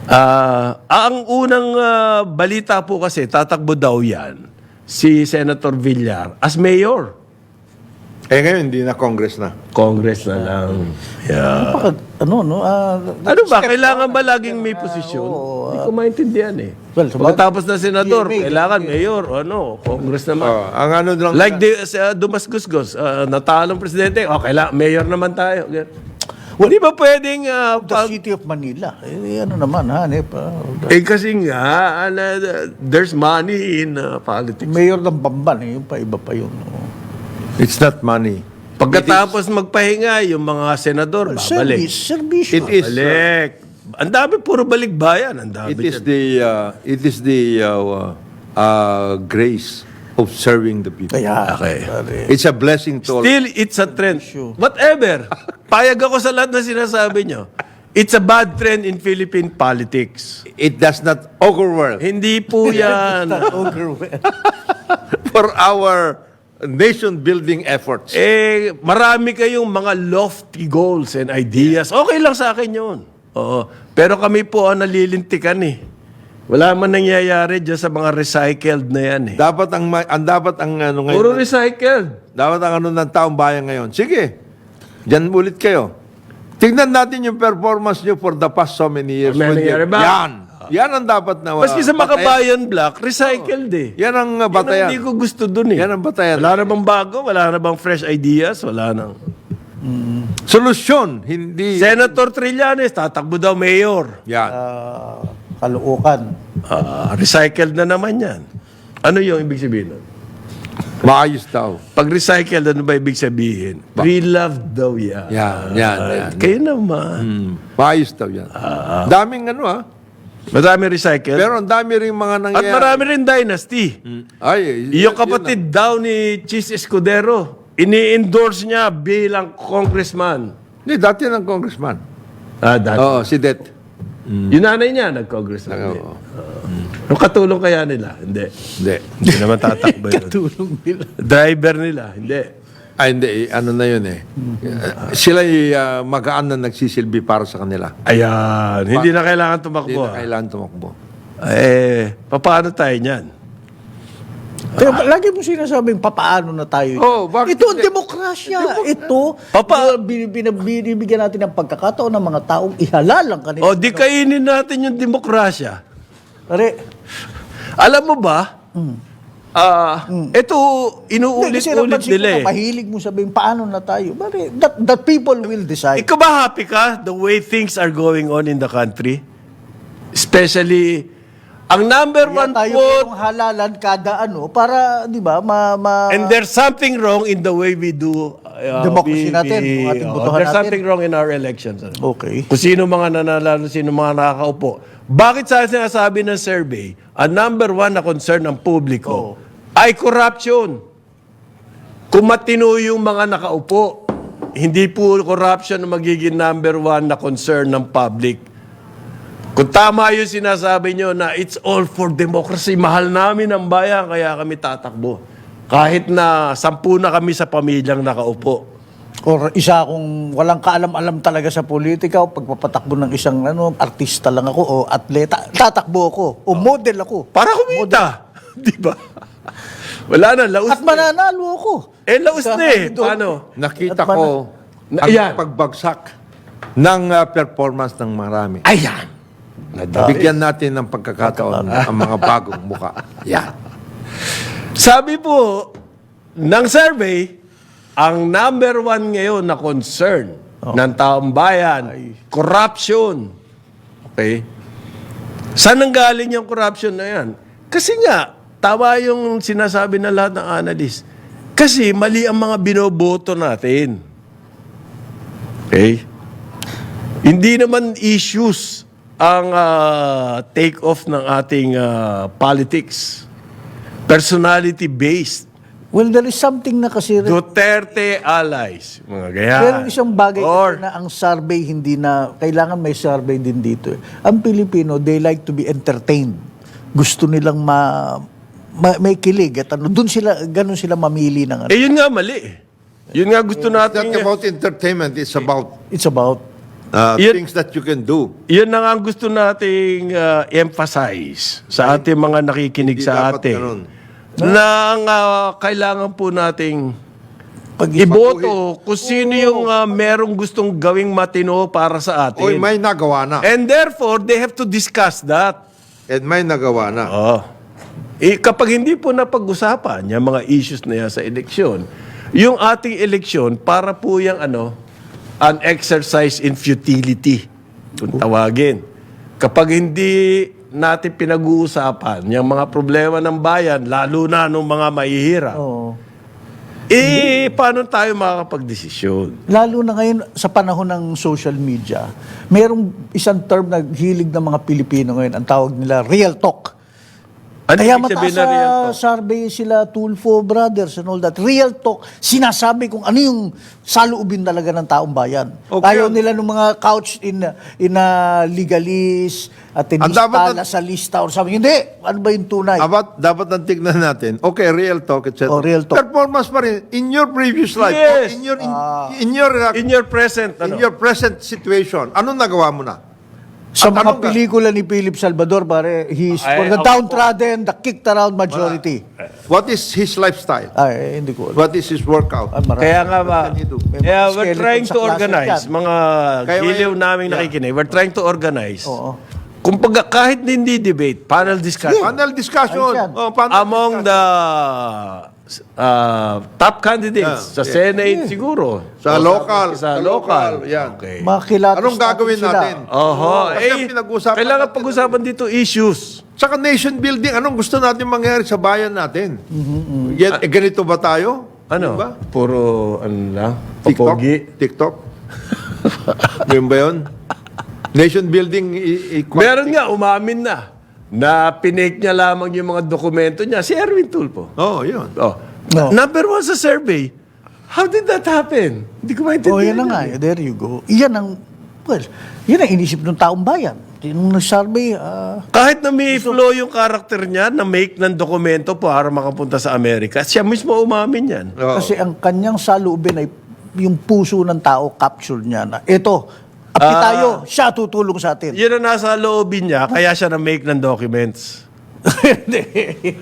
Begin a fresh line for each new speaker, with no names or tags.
Ang unang balita po kasi, tatakbo daw yan, si Senator Villar as mayor.
Ngayon, hindi na Congress na.
Congress na lang. Yeah. Ano ba? Kailangan ba laging may posisyon? Hindi ko maintindihan eh.
Well,
Pagkatapos na senador,
PMA,
kailangan mayor. Congress naman.
Ang ano lang,
Like Dumas Gusgos, natalong presidente, kailangan, mayor naman tayo. Hindi ba pwedeng
the City of Manila. Ano naman, hanip.
kasi nga, there's money in politics.
Mayor ng Bamban, yung pa iba pa yun.
it's not money.
Pagkatapos magpahinga, yung mga senador, babalik.
Service.
It is
Balik. Ang dami, puro balikbayan. Ang dami
it is the grace of serving the people.
Kaya,
Okay.
It's a blessing to all.
Still, it's a trend. Whatever. Payag ako sa lahat na sinasabi nyo. It's a bad trend in Philippine politics.
It does not augur well
Hindi po yan.
for our nation-building efforts.
Marami kayong mga lofty goals and ideas. Okay lang sa akin yun. Oo. Pero kami po ang nalilintikan eh. Wala man nangyayari dyan sa mga recycled na yan eh.
Dapat ang ano ngayon.
Puro recycled.
Dapat ang ano ng taong bayan ngayon. Sige. Diyan ulit kayo. Tingnan natin yung performance nyo for the past so many years.
May nangyari ba?
Yan ang dapat na
Maski sa Makabayan Black, recycled eh.
Yan ang
Yan ang
batayan.
hindi ko gusto dun eh.
Yan ang batayan.
Wala na bang bago? Wala na bang fresh ideas? Wala na.
Solusyon, hindi...
Senator Trillanes, tatakbo daw mayor.
Yan.
Kaluukan.
Recycled na naman yan. Ano yung ibig sabihin nun?
Maayos daw.
Pag recycled, ano ba ibig sabihin? Pre-loved daw yan.
Yan.
Kayo naman.
Maayos daw yan. Daming ano
Madami recycled.
Pero ang dami rin mga
At
nangyayari.
marami rin dynasty. Yung kapatid daw ni Chis Escudero, ini-endorse niya bilang congressman.
Hindi, dati ng congressman.
Dati.
Oo, si Det.
Yung nanay niya, nag-congressman.
Oo.
Yung katulong kaya nila? Hindi.
Hindi.
Hindi naman tatakbo yun.
Tulong nila.
Driver nila? Hindi.
Hindi. Ano na yun Sila magaan na nagsisilbi para sa kanila.
Ayan. Hindi na kailangan
Hindi
tumakbo.
na kailangan tumakbo.
Paano tayo niyan?
Kaya lagi mo sinasabing papaano na tayo.
Bakit
Ito ang
hindi?
demokrasya. Ito, binibigyan natin ng pagkakataon ng mga taong ihalal ang kanila.
Di kainin natin yung demokrasya.
Pare,
Alam mo ba, ito, inuulit-ulit nila eh.
Mahilig mo sabihin, paano na tayo? Pare, that people will decide.
Ikaw ba happy ka the way things are going on in the country? Especially, ang number
Kaya
one
tayo
quote,
yung halalan kada para, di ba,
and there's something wrong in the way we do
Democracy natin, yung ating botohan
there's
natin.
something wrong in our elections.
Okay.
Kung sino mga nananalo, sino mga nakakaupo. Bakit sa sinasabi ng survey, ang number one na concern ng publiko ay corruption. Kung matino yung mga nakaupo, hindi po corruption ang magiging number one na concern ng public. Kung tama yung sinasabi nyo na it's all for democracy, mahal namin ang bayan, kaya kami tatakbo. Kahit na 10 na kami sa pamilyang nakaupo.
Or isa akong walang kaalam-alam talaga sa politika o pagpapatakbo ng isang artista lang ako o atleta, tatakbo ako o model ako.
Para kumita. Di ba? Wala na, laos
At mananalo ako.
laos na eh. Paano?
Nakita
At
ko
Ayan.
ang pagbagsak ng performance ng marami.
Ayan.
Bigyan natin ng pagkakataon ang mga bagong muka. Yan.
Sabi po ng survey, ang number one ngayon na concern ng taong bayan, corruption. Okay? Saan nanggaling yung corruption na yan? Kasi nga, tama yung sinasabi ng lahat ng analyst. Kasi mali ang mga binoboto natin. Okay? Hindi naman issues ang take-off ng ating politics. Personality-based.
Well, there is something na kasi
Duterte allies. Mga ganyan.
pero isang bagay
Or,
na ang survey hindi na kailangan may survey din dito. Ang Pilipino, they like to be entertained. Gusto nilang may kilig at ganun sila mamili ng
yun nga mali eh. Yun nga gusto
It's
natin.
not about entertainment. It's about
It's about
Yun-
things that you can do.
Yun na nga ang gusto nating emphasize sa ating mga nakikinig
Hindi
sa
dapat
atin.
ganun.
Na ang kailangan po nating
Pag
iboto kung sino yung merong gustong gawing matino para sa atin.
Oy, may nagawa na.
And therefore, they have to discuss that.
And may nagawa na.
Kapag hindi po napag-usapan yung mga issues na yan sa eleksyon, yung ating eleksyon, para po yung an exercise in futility, kung tawagin. Kapag hindi natin pinag-uusapan yung mga problema ng bayan, lalo na nung mga mahihirap,
Oo.
paano tayo makakapag-desisyon?
Lalo na ngayon sa panahon ng social media, merong isang term na hilig ng mga Pilipino ngayon, ang tawag nila real talk.
Ano
Kaya
ibig sabihin
mataas
na real talk?
sa survey sila, Tulfo Brothers and all that. Real talk, sinasabi kung ano yung saloobin talaga ng taong bayan.
Okay.
Ayaw nila ng mga couch in legalist at
Ang dapat
tinistala sa lista or something. Hindi, ano ba yung tunay?
Dapat ang tignan natin. Okay, real talk, etc.
Oh, real talk.
Performance pa rin. In your previous life.
Yes.
In
In your present,
your present situation. Anong nagawa mo na?
Sa
At
mga
anong
pelikula ni Philip Salvador, pare, he's
Ay,
for the
ako
downtrodden, the kicked around majority.
What is his lifestyle?
Ay, hindi ko.
What is his workout?
Ay, marami.
Kaya nga ba,
What can he do?
yeah,
May
we're
skeleton
trying
sa
to
closet
organize,
yan.
mga
Kaya
giliw
may-
naming nakikinig, we're trying to organize.
Oo.
Kung kahit hindi debate, panel discussion.
Panel discussion.
Ayos yan.
Panel
Among
discussion.
the top candidates sa Senate siguro.
Sa
O
local.
Sa
Sa
local.
local, yan.
Okay.
Makilatis
Anong gagawin
sila.
natin?
Oho.
Kasi ang pinag-usapan
Kailangan
natin-
pag-usapan dito issues.
Saka nation building, anong gusto natin mangyari sa bayan natin? Ganito ba tayo?
Ano?
Diba?
Puro, lang?
TikTok?
Papogi.
TikTok? Yun ba yun? Nation building
Meron nga, umamin na pinake niya lamang yung mga dokumento niya. Si Erwin Tulfo.
Oh, yun.
Oh.
No.
Number one sa survey. How did that happen? Hindi ko maintindihan.
Oh, yan na nga. There you go. Yan ang, well, yan ang inisip ng taong bayan. Yung nag-survey,
Kahit na may flow yung karakter niya na make ng dokumento para makapunta sa Amerika, siya mismo umamin yan.
Oo.
kasi ang kanyang saloobin ay yung puso ng tao capture niya na ito, api tayo, siya tutulong sa atin.
Yun ang nasa loobin niya, kaya siya na make ng documents.
Hindi.